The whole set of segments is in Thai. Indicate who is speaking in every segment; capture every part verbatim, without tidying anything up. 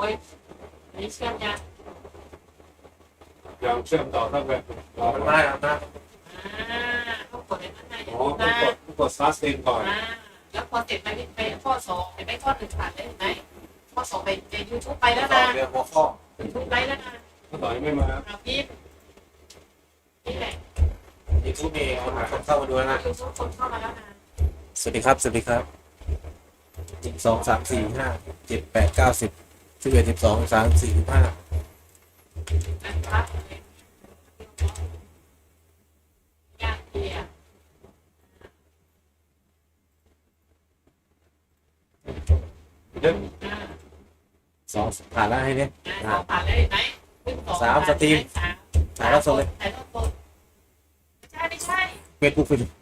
Speaker 1: ยอันนี้เชื่อมยัง
Speaker 2: ยังเชื่อมต่อตั้งแต่
Speaker 3: มันได้ครับนะ
Speaker 1: อ่าต้องกดในข้างในอย่า
Speaker 2: อ๋อ
Speaker 1: ลืม
Speaker 2: ต้อง
Speaker 1: นะ
Speaker 2: กดต้องกด start stream ก่อน
Speaker 1: อ่าแล้วพอเสร็จไปไปข้อสองเห็นไหมข้อหนึ่งผ่านได้เห็นไหมข้อสองไปในยูทูบไปแล้วนะ
Speaker 3: เรื่องหัวข้อ
Speaker 1: ยูทูบไปแล้วนะ
Speaker 2: ถ้าต่อยังไม่มา
Speaker 1: เราพิมพ์นี่แหละ
Speaker 3: ยูทูบมีคนคนเข้ามาดูแล้วนะ
Speaker 1: ยูทูบคนเข้ามาแล้วนะ
Speaker 3: สวัสดีครับ สวัสดีครับหนึ่งสองสามสี่ห้าเจ็ดแปดเก้าสิบสิบเอ็ดสิบสองสามสี่สิบห้า
Speaker 1: นะครับยากเกียร์
Speaker 2: เดี๋ยว
Speaker 1: อ่า
Speaker 3: สองผ่านแล้วให้เนี่ย
Speaker 1: สองผ่านได้เห็นไหมขึ้นสอง
Speaker 3: สามสตรีม
Speaker 1: สาม
Speaker 3: ถ่ายทอดสดเลย
Speaker 1: ถ่ายทอดสดไม่ใช่ไม่ใช่
Speaker 3: เฟซบุ๊กเฟซบุ๊ก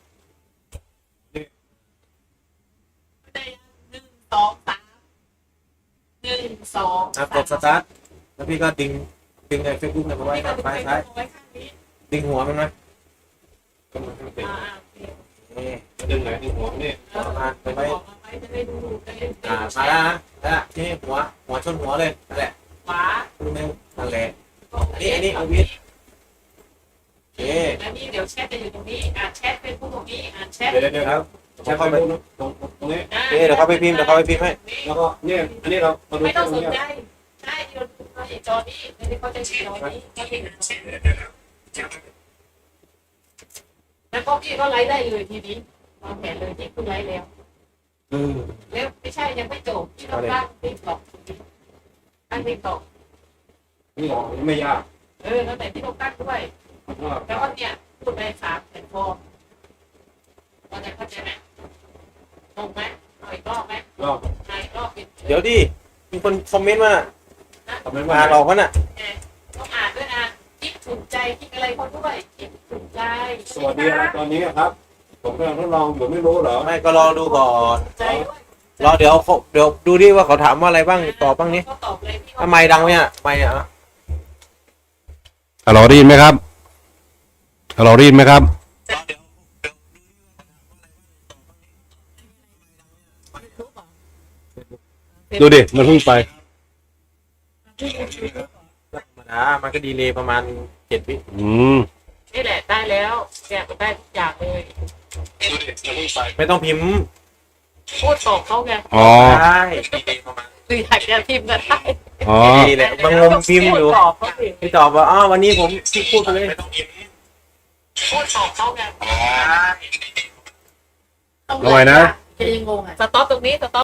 Speaker 1: ไม่ได้หนึ่งสองสามหนึ่งสอง
Speaker 3: อ่ะกดสตาร์ทแล้วพี่ก็ดึงดึงไอ้เฟซบุ๊กเนี่ยมาไว้
Speaker 1: นี่ก็
Speaker 3: ข้าง
Speaker 1: ดึง
Speaker 3: ซ้าย
Speaker 1: ไป
Speaker 3: ซ้าย
Speaker 1: ไว้ข้างนี้
Speaker 3: ดึงหัวมันไหม
Speaker 2: ก็มันไม่ติด
Speaker 1: อ่าโอเค
Speaker 3: นี่
Speaker 2: จะดึงไหนดึงหัวนี่
Speaker 1: แล้วเอาไปไว้จะได้ดูจะได้
Speaker 3: อ่ามาแล้วนะนั่นแหละที่หัวหัวชนหัวเลยนั่นแหละ
Speaker 1: ขวา
Speaker 3: ดูนึงนั่นแหละ อันนี้อันนี้เอาวิทย์ โอเค
Speaker 1: แล้วนี่เดี๋ยวแชทจะอยู่ตรงนี้อ่านแชทเป็นผู้ตรงนี้อ่านแชท
Speaker 2: เดี๋ยวเดี๋ยวครับ
Speaker 3: ใช้เข้าไป
Speaker 2: ตรงตรงนี้
Speaker 3: โอเคเดี๋ยวเขาไปพิมพ์เดี๋ยวเขาไปพิมพ์ให้
Speaker 2: แล้วก็เนี่ยอันนี้เรามาดู
Speaker 1: ไม่
Speaker 2: ต
Speaker 1: ต้
Speaker 2: ร
Speaker 1: อง
Speaker 2: ง
Speaker 1: สน
Speaker 2: นี้
Speaker 1: ใจใช่ที่เราดูในจอนี้ไม่ได้เขาจะชี้จอนี้ก็เห็นแล้วก็พี่ก็ไลฟ์ได้เลยทีนี้วางแผนเลยที่คุณไลฟ์แล้ว
Speaker 2: อืม
Speaker 1: แล้วไม่ใช่ยังไม่จบที่เราตั้งติ๊กต็อกตั้งติ๊กต็อก
Speaker 2: นี่หรอไม่ยาก
Speaker 1: เออแล้วแต่ที่เราตั้งด้วย
Speaker 2: เพราะว่า
Speaker 1: แล้วก็เนี่ยพูดไปสามแผ่นฟอร์มเราจะเข้าใจไหมงงไหมเอาอีกรอบไหม
Speaker 2: รอบ
Speaker 1: ใช่รอบปิด
Speaker 3: เดี๋ยวดิมีคนคอมเมนต์มา
Speaker 2: ทำไม
Speaker 3: มา
Speaker 2: ว่า
Speaker 3: หลอกมันอ่ะ
Speaker 1: ต้องอ่านด้วยนะคิดถูกใจคิดอะไรเขาด้วยคิดถูกใจ
Speaker 2: สวัสดีครับตอนนี้ครับ ผมกำลังทดลองอยู่ไม่รู้เหรอ
Speaker 3: ไม่ก็รอดูก่อน
Speaker 1: ใจด้วย
Speaker 3: รอเดี๋ยวเขาเดี๋ยวดูดิว่าเขาถามว่าอะไรบ้างตอบบ้างนี้
Speaker 1: ก็ตอบเลยพี่
Speaker 3: ทำไมดังเนี่ยไม่อ่ะ
Speaker 4: ฮัลโหลได้ยินไหมครับฮัลโหลได้ยินไหมครับ ดูดิ มันเพิ่งไป
Speaker 3: ธรรมดามันก็ดีเลยประมาณเจ็ดวิ
Speaker 4: อืม
Speaker 1: นี่แหละได้แล้วเนี่ยมันได้ทุกอย่างเลย
Speaker 2: ดูดิมันเพิ่งไป
Speaker 3: ไม่ต้องพิมพ์
Speaker 1: พูดตอบเขาไง
Speaker 4: อ๋อ
Speaker 3: ได้ดีเลยประมาณ
Speaker 1: หรืออยากจะพิมพ์ก็ได้
Speaker 4: อ๋อ
Speaker 3: ดีแหละบางงมพิมพ์อยู่
Speaker 1: พูดตอบเขาสิ
Speaker 3: พี่ตอบว่าอ๋อวันนี้ผมที่พูดไปเลยไม่ต้องพิมพ์
Speaker 1: พูดตอบเขาไง
Speaker 4: ทำไมนะ
Speaker 1: จะยังงงอ่ะสต็อปตรงนี้สต็อป